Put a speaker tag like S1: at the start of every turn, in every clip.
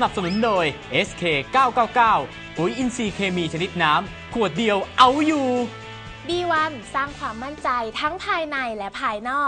S1: นับสนุนโดย SK 999ปุ๋ยอินทรีย์เคมีชนิดน้ำขวดเดียวเอาอยู่
S2: B1 สร้างความมั่นใจทั้งภายในและภายนอก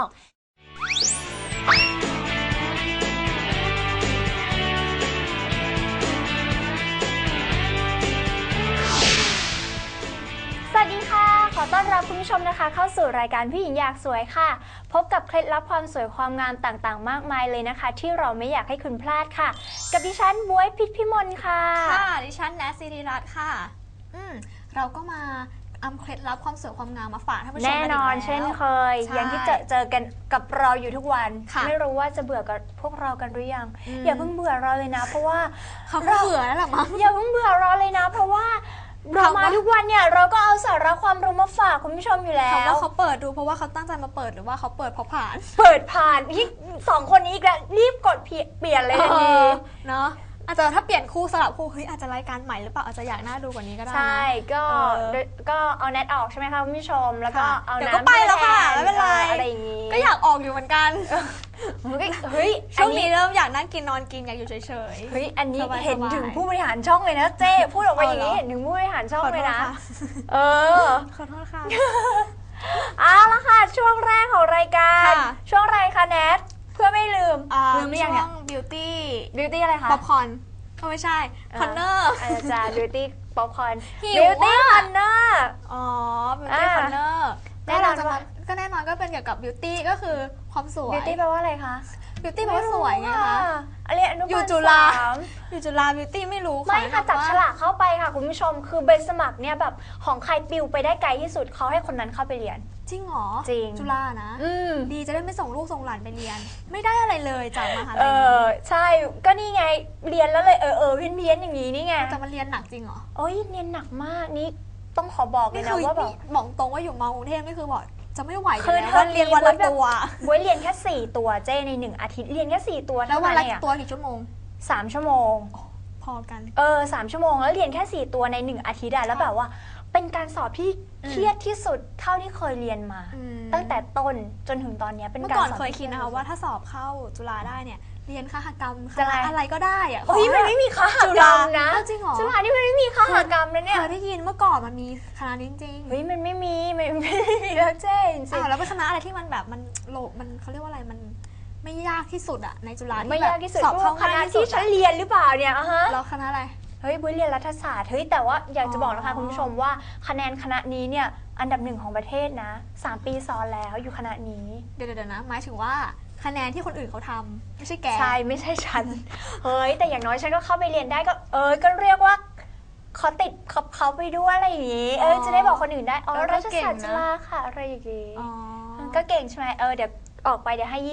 S2: สวัสดีค่ะขอต้อนรับคุณผู้ชมนะคะเข้าสู่รายการผู้หญิงอยากสวยค่ะพบกับเคล็ดลับความสวยความงามต่างๆมากมายเลยนะคะที่เราไม่อยากให้คุณพลาดค่ะกับดิฉันบ๊วยพิษพิมลค่ะ
S3: ค่ะดิฉันแนทศิริรัตน์ค่ะเราก็มาอำเคล็ดลับความสวยความงามมาฝากท่านผู้ชมแน่
S2: นอนเช่นเคยอย่างที่เจอกันกับเราอยู่ทุกวันไม่รู้ว่าจะเบื่อกับพวกเรากันหรือยังอย่าเพิ่งเบื่อเราเลยนะเพราะว่า
S3: เขาเบื่อแล้วหรอมั้ง
S2: อย่าเพิ่งเบื่อเราเลยนะเพราะว่าเรามาทุกวันเนี่ยเราก็เอาสาระความรู้มาฝากคุณผู้ชมอยู่แล้ว
S3: ว่าเขาเปิดดูเพราะว่าเขาตั้งใจมาเปิดหรือว่าเขาเปิดเพราะผ่าน
S2: ที่สองคนนี้อีกแล้วรีบกดเปลี่ยนเลยทันที
S3: เนาะอาจจะถ้าเปลี่ยนคู่สลับคู่อาจจะรายการใหม่หรือเปล่าอาจจะอยากน่าดูกว่านี้ก็ได้
S2: ใช่ก็เอาแนทออกใช่ไหมคะคุณผู้ชมแล้วก็เอาน้ำ
S3: ก็ไปแล้วค่ะไม่เป็นไร
S2: อะไรอย่างงี้
S3: ก็อยากออกอยู่เหมือนกันช่วงนี้เริ่มอยากนั่งกินนอนกินอยากอยู่เฉย
S2: ๆอันนี้เห็นถึงผู้บริหารช่องเลยนะเจ้พูดออกมาอย่างนี้เห็นถึงผู้บริหารช่องเลยนะ
S3: ขอโทษค่ะ
S2: เอาละค่ะช่วงแรกของรายการช่วงอะไรคะแนทเพื่อไม่ลืม
S3: หรือยังเนี่ยบิวตี้
S2: อะไรคะ
S3: ป๊อปคอร์นไม่ใช่คอนเนอร์
S2: อาจารย์บิวตี้ป๊อปคอร์นบิวตี้คอนเนอร์
S3: บิวตี้คอนเนอร์แน่นอนก็เป็นเกี่ยวกับบิวตี้ก็คือความสวย
S2: บิวตี้แปลว่าอะไรคะ
S3: บิวตี้แปลว่าสวยไงคะ
S2: อยู่จุฬา
S3: บิวตี้ไม่รู้
S2: ไม่ค่ะจับฉลากเข้าไปค่ะคุณผู้ชมคือใบสมัครเนี่ยแบบของใครปิวไปได้ไกลที่สุดเขาให้คนนั้นเข้าไปเรียน
S3: จริงเหรอ
S2: จริง
S3: จุฬานะดีจะได้ไม่ส่งลูกส่งหลานไปเรียนไม่ได้อะไรเลยจากมหาลัย
S2: ใช่ก็นี่ไงเรียนแล้วเลยเพี้ยนอย่างนี้นี่ไง
S3: แต่มันเรียนหนักจริงเหรอ
S2: โอ้ยเรียนหนักมากนี่ต้องขอบอกเลยนะว่าแบบ
S3: บอกตรงว่าอยู่มกรุงเทพไม่คือบอกจะไม่ไหวเลยนะเรียนวันละตัว
S2: บ๊วยเรียนแค่4ตัวเจ้ใน1อาทิตย์เรียนแค่4ตัว
S3: แล้ววันละตัวกี่ชั่วโมง
S2: 3ชั่วโมง
S3: พอกัน
S2: 3ชั่วโมงแล้วเรียนแค่4ตัวใน1อาทิตย์แล้วแบบว่าเป็นการสอบที่เครียดที่สุดเท่าที่เคยเรียนมาตั้งแต่ต้นจนถึงตอนนี้เป็นการสอบ
S3: เมื่อก่อนเคยคิดนะคะว่าถ้าสอบเข้าจุฬาได้เนี่ยเรียนคหกรรมอะไรก็ได้อะ
S2: มันไม่มีคหกรรมนะ
S3: จริงเหรอ
S2: จุฬานี่มันไม่มีคหกรรมนะเนี่ย
S3: เคยได้ยินเมื่อก่อนมันมีคณะจริง
S2: มันไม่มีแล้วเจ๊จริง
S3: แล้วเป็นคณะอะไรที่มันแบบมันเขาเรียกว่าอะไรมันไม่ยากที่สุดอะในจุฬา
S2: ไม่ยากที่สุดสอบเข้าคณะที่ฉันเรียนหรือเปล่าเนี่ย
S3: แล้วคณะอะไร
S2: บ๊วยเรียนรัฐศาสตร์แต่ว่าอยากจะบอกนะคะคุณผู้ชมว่าคะแนนคณะนี้เนี่ยอันดับ1ของประเทศนะ3ปีซ้อนแล้วอยู่คณะนี้
S3: เดี๋ยวนะหมายถึงว่าคะแนนที่คนอื่นเขาทำไม่ใช่แก
S2: ใช่ไม่ใช่ฉันแต่อย่างน้อยฉันก็เข้าไปเรียนได้ก็ก็เรียกว่าขอติดเขาไปด้วยอะไรอย่างงี้จะได้บอกคนอื่นได้รัฐศาสตร์จุฬาค่ะอะไรอย่างงี้ก็เก่งใช่ไหมเดี๋ยวออกไปเดี๋ยวให้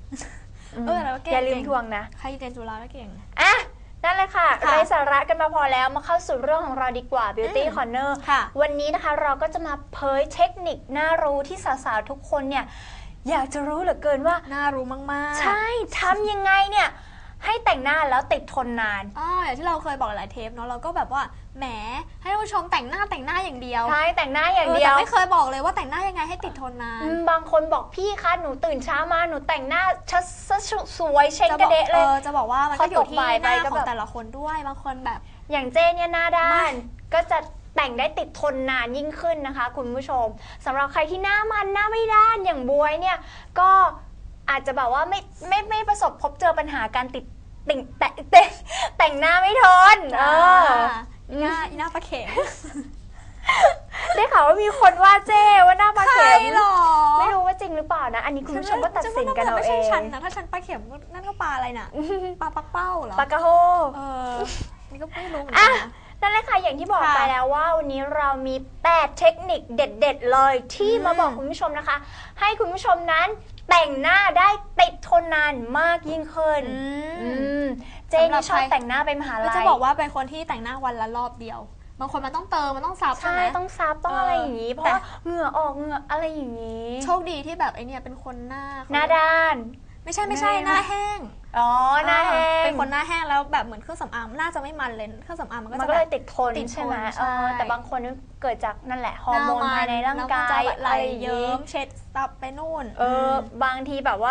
S2: 20
S3: แล้วเก่ง
S2: อย่าลืมทวงนะ
S3: ใครเรียนจุฬาก็เก่ง
S2: นั่นเลยค่ะไร้สาระกันมาพอแล้วมาเข้าสู่เรื่องของเราดีกว่า Beauty Corner วันนี้นะคะเราก็จะมาเผยเทคนิคน่ารู้ที่สาวๆทุกคนเนี่ยอยากจะรู้เหลือเกินว่า
S3: น่ารู้มาก
S2: ๆใช่ทำยังไงเนี่ยให้แต่งหน้าแล้วติดทนนาน
S3: อย่างที่เราเคยบอกหลายเทปเนาะเราก็แบบว่าแหมให้ผู้ชมแต่งหน้าอย่างเดียว
S2: ใช่แต่งหน้าอย่างเดียว
S3: แต่ไม่เคยบอกเลยว่าแต่งหน้ายังไงให้ติดทนนาน
S2: บางคนบอกพี่คะหนูตื่นเช้ามาหนูแต่งหน้าสวยเช็คกระเดะเลย
S3: จะบอกว่ามันก็อยู่ที่หน้าของแต่ละคนด้วยบางคนแบบ
S2: อย่างเจเนี่ยหน้าด้านก็จะแต่งได้ติดทนนานยิ่งขึ้นนะคะคุณผู้ชมสำหรับใครที่หน้ามันหน้าไม่ด้านอย่างบ๊วยเนี่ยก็อาจจะแบบว่าไม่ประสบพบเจอปัญหาการแต่งหน้าไม่ทน
S3: หน้าปลาเข็ม
S2: ได้ข่าวว่ามีคนว่าเจ้ว่าหน้าปลาเข็ม
S3: หรอ
S2: ไม่รู้ว่าจริงหรือเปล่านะอันนี้คุณผู้ชมก็ตัดสินกันเอาเอง
S3: ไม่ใช่ฉันนะถ้าฉันปลาเข็มนั่นก็ปลาอะไรน่ะปลาปักเป้าเหรอ
S2: ปลากระโฮ
S3: นี่ก็ไม่รู้เหมือนกันนะ
S2: นั่นแหละค่ะอย่างที่บอกไปแล้วว่าวันนี้เรามี8เทคนิคเด็ดๆเลยที่มาบอกคุณผู้ชมนะคะให้คุณผู้ชมนั้นแต่งหน้าได้ติดทนนานมากยิ่งขึ้นเจนี่ชอบแต่งหน้าไปมหาลัย
S3: จะบอกว่าเป็นคนที่แต่งหน้าวันละรอบเดียวบางคนมันต้องเติมมันต้องซับใช่ไหม
S2: ต้องซับต้องอะไรอย่างนี้เพราะเหงื่อออกเหงื่ออะไรอย่างนี้
S3: โชคดีที่แบบไอเนี่ยเป็นคนหน้า
S2: ด้าน
S3: ไม่ใช่หน้าแห้ง
S2: หน้าแห้ง
S3: เป็นคนหน้าแห้งแล้วแบบเหมือนเครื่องสำอางน่าจะไม่มันเลยเครื่องสำอางมัน
S2: ก็เลยติดทนใช่ไหมแต่บางคนเกิดจากนั่นแหละฮอร์โมนภายในร่างกาย
S3: ไหลเยิ้มเช็ดซับไปนู่น
S2: บางทีแบบว่า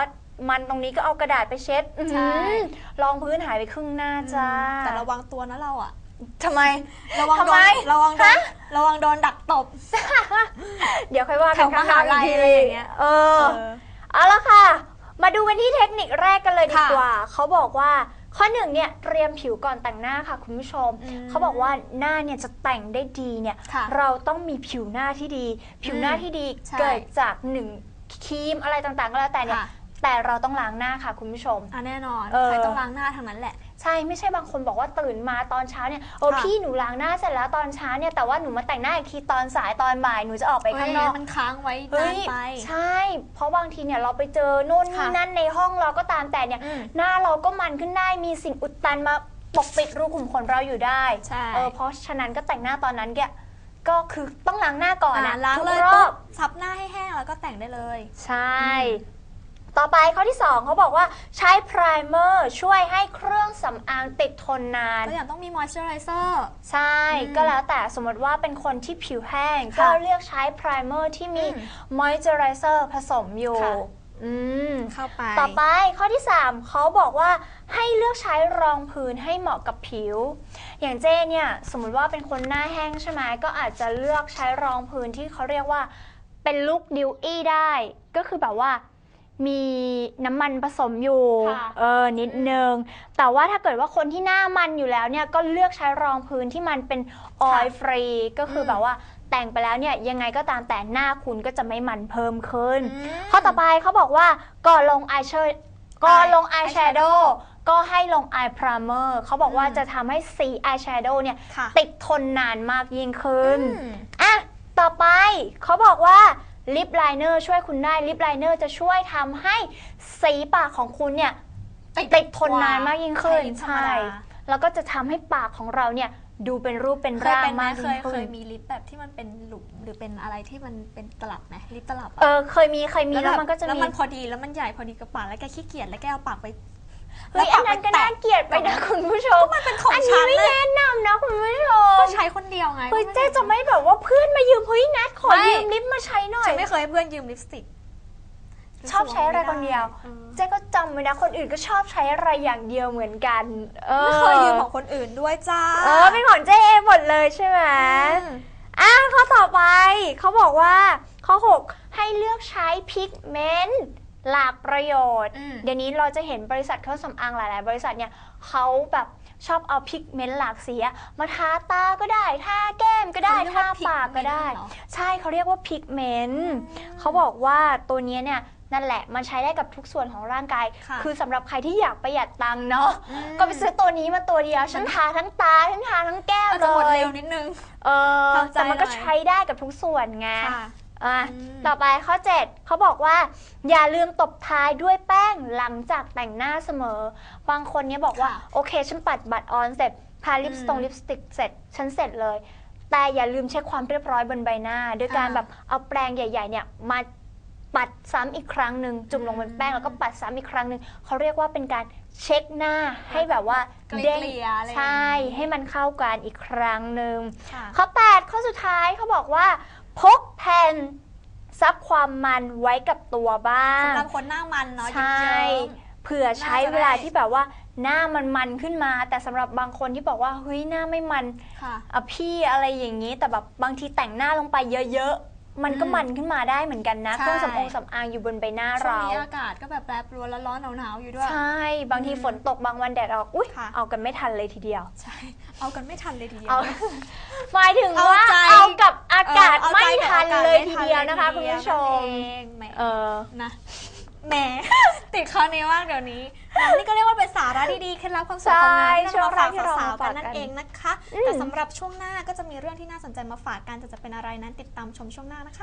S2: มันตรงนี้ก็เอากระดาษไปเช็ด
S3: ใช่
S2: รองพื้นหายไปครึ่งหน้าจ้า
S3: แต่ระวังตัวนะเราอะ
S2: ทำไม
S3: ระวัง
S2: ทำ
S3: โด
S2: ไม
S3: นระวังโดนดักตบ
S2: เดี๋ยวค่อยว่ากัน
S3: แถวมหาลัยอะไรอย่างเงี้ย
S2: เอาละค่ะ มาดูกันที่เทคนิคแรกกันเลยดี
S3: ค่ะ
S2: กว่า เขาบอกว่าข้อหนึ่งเนี่ยเตรียมผิวก่อนแต่งหน้าค่ะคุณผู้ชม เขาบอกว่าหน้าเนี่ยจะแต่งได้ดีเนี่ย
S3: ค่ะ
S2: เราต้องมีผิวหน้าที่ดี ผิวหน้าที่ดี
S3: ใช่
S2: เกิดจากหนึ่งครีมอะไรต่างๆก็แล้วแต่เนี่ย
S3: ค่ะ
S2: แต่เราต้องล้างหน้าค่ะคุณผู้ชม
S3: แน่นอน
S2: เออ
S3: ใครต้องล้างหน้าทางนั้นแหละ
S2: ใช่ไม่ใช่บางคนบอกว่าตื่นมาตอนเช้าเนี่ยโอ้
S3: ค่ะ
S2: พี่หนูล้างหน้าเสร็จแล้วตอนเช้าเนี่ยแต่ว่าหนูมาแต่งหน้าอีกทีตอนสายตอนบ่ายหนูจะออกไปข้างนอก
S3: มันค้างไว้
S2: เฮ้
S3: นาย นไป
S2: ใช่ เพราะบางทีเนี่ยเราไปเจอโน่นนี่
S3: ค่ะ
S2: นั่นในห้องเราก็ตามแต่เนี่ย หน้าเราก็มันขึ้นได้มีสิ่งอุดตันมาปกปิดรูขุมขนเราอยู่ได้
S3: ใช่
S2: เพราะฉะนั้นก็แต่งหน้าตอนนั้นก็คือต้องล้างหน้าก่อนนะ
S3: ล้าง
S2: ทุก
S3: เลย
S2: รอ
S3: ปุ๊
S2: บบ
S3: ซับหน้าให้แห้งแล้วก็แต่งได้เลย
S2: ใช่ ต่อไปข้อที่ 2เขาบอกว่าใช้ไพรเมอร์ช่วยให้เครื่องสำอางติดทนนาน
S3: ก็อย่างต้องมีมอยส์เจอไรเซอร์
S2: ใช่ ก็แล้วแต่สมมติว่าเป็นคนที่ผิวแห้ง
S3: ค่ะ
S2: ก็เลือกใช้ไพรเมอร์ที่มีมอยเจอไรเซอร์ผสมอยู่
S3: ค่ะ
S2: อืม
S3: เข้าไป
S2: ต่อไปข้อที่ 3เขาบอกว่าให้เลือกใช้รองพื้นให้เหมาะกับผิว อย่างเจ้เนี่ยสมมุติว่าเป็นคนหน้าแห้งใช่ไหมก็อาจจะเลือกใช้รองพื้นที่เขาเรียกว่าเป็นลุคดิวอี้ได้ก็คือแบบว่ามีน้ำมันผสมอยู่
S3: ค่ะ
S2: นิดนึงแต่ว่าถ้าเกิดว่าคนที่หน้ามันอยู่แล้วเนี่ยก็เลือกใช้รองพื้นที่มันเป็นออยล์ฟรีก็คือแบบว่าแต่งไปแล้วเนี่ยยังไงก็ตามแต่หน้าคุณก็จะไม่มันเพิ่มขึ้น ข้อต่อไปเขาบอกว่าก่อนลงอายแชโดว์ก็ให้ลงอายพรามเมอร์เขาบอกว่าจะทำให้สีอายแชโดว์เนี่ย
S3: ค่ะ
S2: ติดทนนานมากยิ่งขึ้น
S3: อืม
S2: อ่ะต่อไปเขาบอกว่าลิปไลเนอร์ช่วยคุณได้ลิปไลเนอร์จะช่วยทำให้สีปากของคุณเนี่ยติดทนนานมากยิ่งขึ้น
S3: ใช่ลิปธรรมดา
S2: แล้วก็จะทำให้ปากของเราเนี่ยดูเป็นรูปเป็น
S3: เคย
S2: ร่าง
S3: เป็นไหม
S2: มาก
S3: เค
S2: ยิ่
S3: ย
S2: งขึ้น
S3: มีลิปแบบที่มันเป็นหลุมหรือเป็นอะไรที่มันเป็นตลับไหมลิปตลับอะ
S2: เคยมีแล้วมันก็จะ
S3: แล้ว
S2: มี
S3: มันพอดีแล้วมันใหญ่พอดีกับปากแล้วแกขี้เกียจแล้วแกเอาปากไป
S2: เฮ้ยอันนั้นก็น่าเกลียดไปนะคุณผู้ชม
S3: มันเป็นของ
S2: อัน
S3: ฉั
S2: นี้
S3: น
S2: ไม่
S3: เลย
S2: แนะนำนะคุณผู้ชม
S3: ก็ใช้คนเดียวไง
S2: เฮ้ยเจ๊จะไม่แบบว่าเพื่อนมายืมเฮ้ยนัดขอ
S3: ไม่
S2: ยืมลิปมาใช้หน่อย
S3: ฉันไม่เคยให้เพื่อนยืมลิปสติก
S2: ชอบใช้อะไรคนเดียวเจ๊ก็จำไว้นะคนอื่นก็ชอบใช้อะไรอย่างเดียวเหมือนกัน
S3: ไม่เคยยืมของคนอื่นด้วยจ้า
S2: เป็นของเจ๊เองหมดเลยใช่ไหมข้อต่อไปเขาบอกว่าข้อ 6 ให้เลือกใช้พิกเมนต์หลากประโยชน์ เดี๋ยวนี้เราจะเห็นบริษัทเครื่องสำอางหลายๆ บริษัทเนี่ยเขาแบบชอบเอาพิกเมนต์หลากสีมาทาตาก็ได้ทาแก้มก็ได้ทาปากก็ได้ ใช่เขาเรียกว่าพิกเมนต์เขาบอกว่าตัวนี้เนี่ยนั่นแหละมันใช้ได้กับทุกส่วนของร่างกาย
S3: ค่ะ
S2: คือสำหรับใครที่อยากประหยัดตังค์เนาะก็ไปซื้อตัวนี้มาตัวเดียวฉันทาทั้งตาทั้งทาทั้งแก้ม
S3: อาจ
S2: เล
S3: จะหมด
S2: ย
S3: เร็วนิดนึง ทำใจ
S2: แต่มันก็
S3: หน่อย
S2: ใช้ได้กับทุกส่วนไง
S3: ค่ะ
S2: ต่อไปข้อ 7เขาบอกว่าอย่าลืมตบท้ายด้วยแป้งหลังจากแต่งหน้าเสมอบางคนเนี่ยบอกว่า
S3: ค่ะ
S2: โอเคฉันปัดบัตรออนเสร็จทาลิปสติกเสร็จฉันเสร็จเลย แต่อย่าลืมเช็คความเรียบร้อยบนใบหน้าด้วยการแบบเอาแปรงใหญ่ๆเนี่ยมาปัดซ้ำอีกครั้งหนึ่งจุ่มลงบนแป้งแล้วก็ปัดซ้ำอีกครั้งหนึ่งเขาเรียกว่าเป็นการเช็คหน้าให้แบบว่า
S3: เกลี่ย
S2: เด้ง
S3: อะไรอย่างงี้
S2: ใช่ให้มันเข้ากันอีกครั้งหนึ่ง
S3: ค่ะ
S2: ข้อ 8 ข้อสุดท้ายเขาบอกว่าพกแผ่นซับความมันไว้กับตัวบ้าง
S3: สำหรับคนหน้ามันเนาะ
S2: ใช่
S3: เยิ้ม
S2: เผื่อใช้
S3: น่าจะได้
S2: เวลาที่แบบว่าหน้ามันขึ้นมา แต่สำหรับบางคนที่บอกว่าเฮ้ยหน้าไม่มัน
S3: ๆค่ะ
S2: พี่อะไรอย่างนี้ แต่แบบบางทีแต่งหน้าลงไปเยอะๆมันก็มันขึ้นมาได้เหมือนกันนะ
S3: ใช่
S2: เครื่องสำอางอยู่บนใบหน้า
S3: ช่วง
S2: เรา
S3: นี้อากาศก็แบบแปรปรวนแล้วร้อนหนาวๆอยู่ด้วย
S2: ใช่บางทีฝนตกบางวันแดดออกอุ๊ย
S3: ค่ะ
S2: เอากันไม่ทันเลยทีเดียว
S3: ใช่ เอากันไม่ทันเลยทีเดียว
S2: เอา หมายถึงว่า
S3: เอาใจ
S2: เอากับอากาศ
S3: เอาใจ
S2: ไม่ทันเลย
S3: กับ
S2: ที
S3: อากาศ
S2: เดียวนะคะ
S3: ไม่ทั
S2: คุณ
S3: นเลย
S2: ผู้ชม
S3: นั่นเองแหม นะ แหม ติดคอนี้มากเดี๋ยวนี้นี่ก็เรียกว่าเป็นสาระดีๆเคล็ดลับความสวยความงามที่เรามาฝากสาวๆกันนั่นเองนะคะ แต่สำหรับช่วงหน้าก็จะมีเรื่องที่น่าสนใจมาฝากกันแต่จะเป็นอะไรนั้นติดตามชมช่วงหน้านะคะ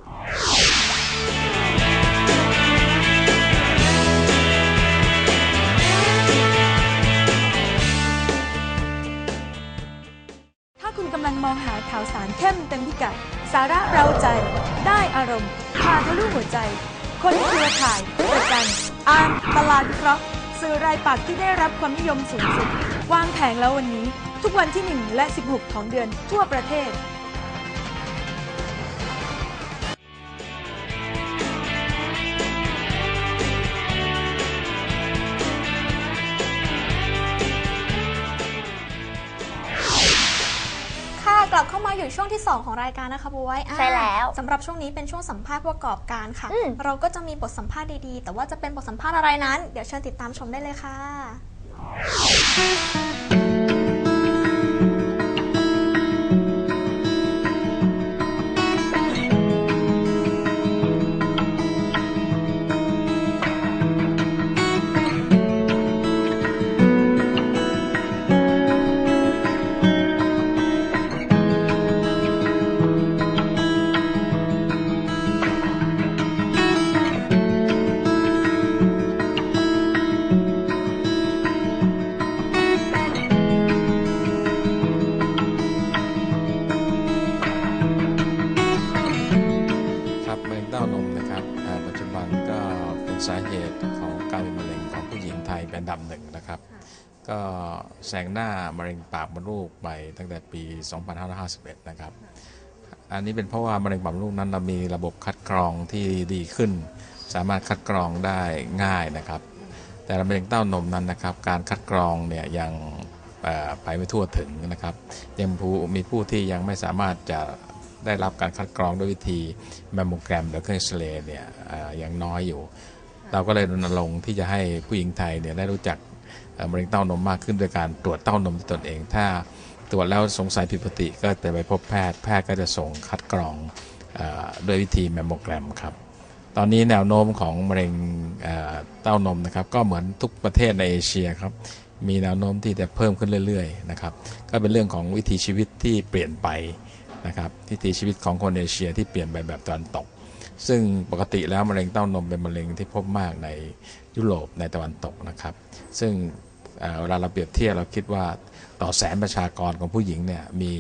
S4: ถ้าคุณกำลังมองหาข่าวสารเข้มเต็มพิกัด สาระเราใจ ได้อารมณ์พาทะลุหัวใจ คนเครือข่ายประกันอ่านตลาดวิเคราะห์สื่อรายปักษ์ที่ได้รับความนิยมสูงสุด วางแผงแล้ววันนี้ ทุกวันที่ 1 และ 16 ของเดือนทั่วประเทศ
S5: ผ
S3: ลับเข้ามาอยู่ช่วงที่ 2 ของรายการนะคะบ๊วย
S2: ใช่แล้ว
S3: สำหรับช่วงนี้เป็นช่วงสัมภาษณ์ผู้ประกอบการค่ะ
S2: อืม
S3: เราก็จะมีบทสัมภาษณ์ดีๆ แต่ว่าจะเป็นบทสัมภาษณ์อะไรนั้น เดี๋ยวเชิญติดตามชมได้เลยค่ะ
S5: ครับมะเร็งเต้านมนะครับปัจจุบันก็เป็นสาเหตุของการเป็นมะเร็งของผู้หญิงไทยเป็นอันดับหนึ่งนะครับก็แซงหน้ามะเร็งปากมดลูกไปตั้งแต่ปี 2551 นะครับอันนี้เป็นเพราะว่ามะเร็งปากมดลูกนั้นเรามีระบบคัดกรองที่ดีขึ้น สามารถคัดกรองได้ง่ายนะครับแต่มะเร็งเต้านมนั้นนะครับการคัดกรองเนี่ยยังไปไม่ทั่วถึงนะครับยังมีผู้ที่ยังไม่สามารถจะได้รับการคัดกรองด้วยวิธีแมมโมแกรมหรือเครื่องเอ็กซเรย์เนี่ยยังน้อยอยู่เราก็เลยรณรงค์ที่จะให้ผู้หญิงไทยเนี่ยได้รู้จักมะเร็งเต้านมมากขึ้นโดยการตรวจเต้านมด้วยตนเองถ้าตรวจแล้วสงสัยผิดปกติก็จะไปพบแพทย์ก็จะส่งคัดกรองด้วยวิธีแมมโมแกรมครับตอนนี้แนวโน้มของมะเร็งเต้านมนะครับก็เหมือนทุกประเทศในเอเชียครับมีแนวโน้มที่จะเพิ่มขึ้นเรื่อยๆนะครับก็เป็นเรื่องของวิถีชีวิตที่เปลี่ยนไปนะครับวิถีชีวิตของคนเอเชียที่เปลี่ยนไปแบบตะวันตกซึ่งปกติแล้วมะเร็งเต้านมเป็นมะเร็งที่พบมากในยุโรปในตะวันตกนะครับซึ่งเวลาเราเปรียบเทียบเราคิดว่าต่อแสนประชากรของผู้หญิงเนี่ยมี